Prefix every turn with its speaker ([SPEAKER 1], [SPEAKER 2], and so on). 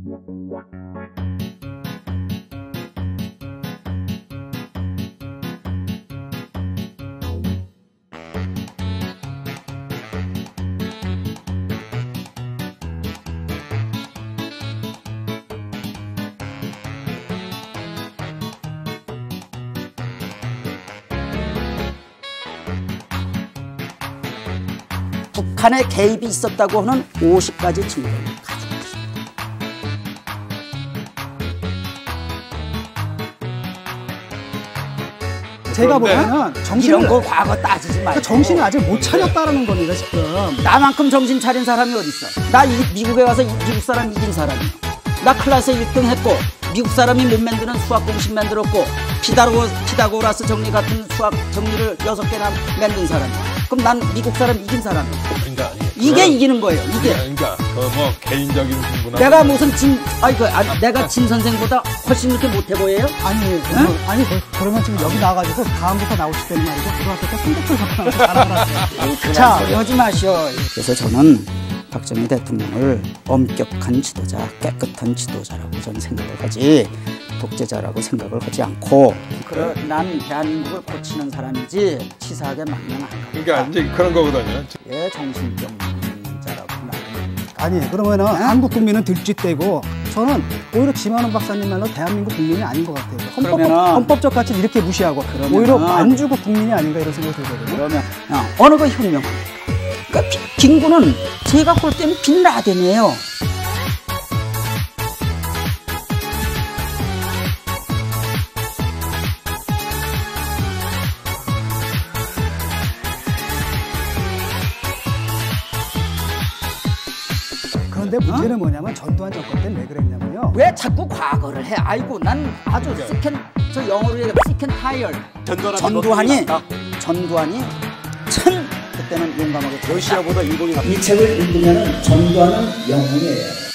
[SPEAKER 1] 북한의 개입이 있었다고 하는 50가지 증거를 가지고 있습니다.
[SPEAKER 2] 제가 보기에는 정신을
[SPEAKER 1] 이런 거 과거 따지지 말고
[SPEAKER 2] 정신을 아직 못 차렸다라는 겁니다 지금.
[SPEAKER 1] 나만큼 정신 차린 사람이 어디 있어? 나 미국에 가서 미국 사람 이긴 사람이야. 나 클래스 1등 했고 미국 사람이 못 만드는 수학 공식 만들었고 피타고라스 정리 같은 수학 정리를 6개나 만든 사람이야. 그럼 난 미국 사람 이긴 사람이야.
[SPEAKER 3] 그러니까
[SPEAKER 1] 이게 이기는 거예요. 이게.
[SPEAKER 3] 그러니까 뭐 개인적인 승부나.
[SPEAKER 1] 내가 무슨 내가 진 선생보다 훨씬 이렇게 못해 보여요?
[SPEAKER 2] 아니, 아니 그러면 지금 여기 나와가지고 다음부터 나오실 때는 말이죠. 고등학교 때 성적표 같은 거 잘하더라고요.
[SPEAKER 1] 자, 하지 마시오. 그래서 저는 박정희 대통령을 엄격한 지도자, 깨끗한 지도자라고 저는 생각을 하지 독재자라고 생각을 하지 않고 난 대한민국을 고치는 사람이지 치사하게 망명 안 가겠다.
[SPEAKER 3] 그러니까 이제 그런 거거든요.
[SPEAKER 1] 예, 정신병자라고 말합니다.
[SPEAKER 2] 아니 그러면은 한국 국민은 들쥐떼고 저는 오히려 지만원 박사님 말로 대한민국 국민이 아닌 것 같아요. 헌법적 가치를 이렇게 무시하고 오히려 만주국 국민이 아닌가 이런 생각이 들거든요.
[SPEAKER 1] 그러면 어느 거 혁명합니까? 그러니까 김구는 제가 볼 때는 빈라덴이에요.
[SPEAKER 2] 그런데 문제는 뭐냐면 전두환 정권 때는 왜 그랬냐면요.
[SPEAKER 1] 왜 자꾸 과거를 해? 아이고 난 아주 저 영어로 얘기하면 시켄 타이얼. 전두환이 참 그때는 용감하게
[SPEAKER 4] 러시아보다 일본이
[SPEAKER 1] 이 책을 읽으면 전두환은 영웅이에요.